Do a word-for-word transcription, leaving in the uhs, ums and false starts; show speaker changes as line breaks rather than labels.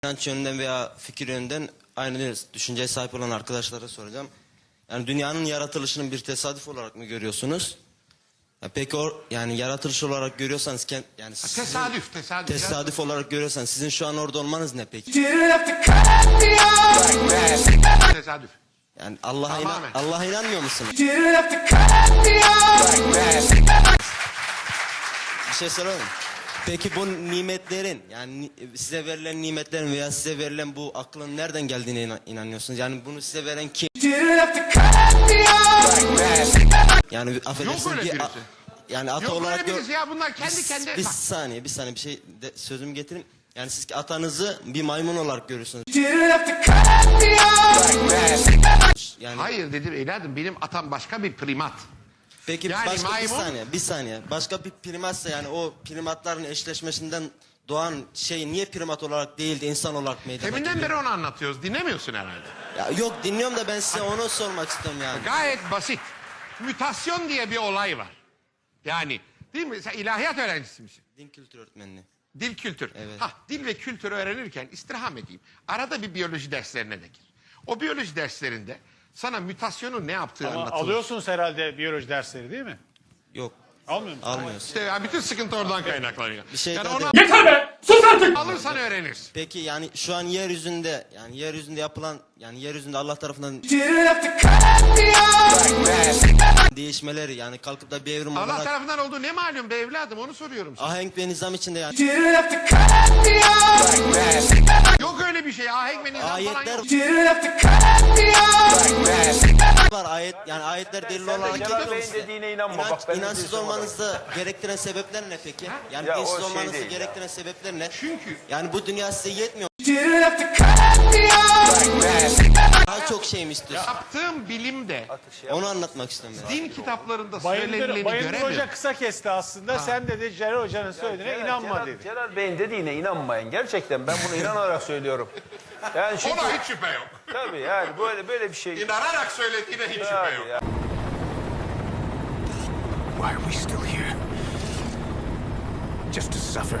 İnanç yönünden veya fikir yönünden aynı düşünceye sahip olan arkadaşlara soracağım. Yani dünyanın yaratılışının bir tesadüf olarak mı görüyorsunuz? Ya peki o yani yaratılış olarak görüyorsanız yani sizin,
tesadüf tesadüf
tesadüf olarak görüyorsanız sizin şu an orada olmanız ne peki?
tesadüf.
Yani Allah'a inan,
Tamamen.
Allah'a inanmıyor musunuz? Bir şey soralım. Peki bu nimetlerin yani ni- size verilen nimetlerin veya size verilen bu aklın nereden geldiğine inan- inanıyorsunuz? Yani bunu size veren kim? Yani affedersiniz
Yok öyle
bir a-
birisi.
yani ata
Yok
olarak
öyle
gör-
birisi ya, bunlar kendi
bir,
kendine-
bir
bak.
saniye bir saniye bir şey de, sözümü getirin. Yani siz ki atanızı bir maymun olarak görüyorsunuz. Yani
Hayır dedim evladım, benim atam başka bir primat.
peki
Yani
başka bir
maymun-
saniye bir saniye başka bir primatsa yani o primatların eşleşmesinden doğan şey niye primat olarak değil de insan olarak meydana
Deminden
geliyor?
beri onu anlatıyoruz, dinlemiyorsun herhalde.
Ya yok dinliyorum da ben size onu sormak istiyorum yani.
Gayet basit. Mütasyon diye bir olay var. Yani değil mi? Sen ilahiyat öğrencisi misin?
Din kültür öğretmenliği.
Dil kültür.
Evet.
Hah, dil ve kültür öğrenirken istirham edeyim. Arada bir biyoloji derslerine de gir. O biyoloji derslerinde sana mütasyonun ne yaptığı
Ama
anlatılır.
alıyorsunuz herhalde biyoloji dersleri değil mi?
Yok
Almıyor musunuz?
almıyoruz.
İşte ya bütün sıkıntı oradan kaynaklanıyor.
Bir şey
yani
daha
onu
de-
Yeter be! Sus artık!
alırsan öğrenirsin.
Peki yani şu an yeryüzünde yani yeryüzünde yapılan yani yeryüzünde Allah tarafından değişmeleri yani kalkıp da bir evrim
Allah
olarak
tarafından olduğu ne malum be evladım, onu soruyorum sana.
ahenk ve nizam içinde yani
Yok öyle bir şey, ahenk ve nizam
ayetler
falan yok.
var ayet yani ayetler delil olarak
Celal
geliyor mu
Bey'in
size?
dediğine inanma.
İnanç,
Bak, ben de
inançsız
diyorsam
olmanızı gerektiren sebepler ne peki? Yani
Ya o
dinsiz
şey
olmanızı
değil ya.
gerektiren sebepler ne?
Çünkü-
yani bu dünya size yetmiyor. Daha çok şey mi istiyorsun?
Yaptığım bilimde
Onu anlatmak istiyorum ben.
din kitaplarında
Bayındır,
söylenileni
Bayındır
göremiyorum.
Hoca kısa kesti aslında. Sen dedi Celal Hoca'nın söylediğine
Celal-
inanma
Celal,
dedi.
Celal Bey'in dediğine inanmayın. Gerçekten ben bunu inanarak söylüyorum. Yani çünkü
Ona hiç şüphe yok.
tabii yani böyle böyle bir şey.
İnanarak söylediğine hiç şüphe
Tabii
yok.
ya.
Why are we still here? Just to suffer.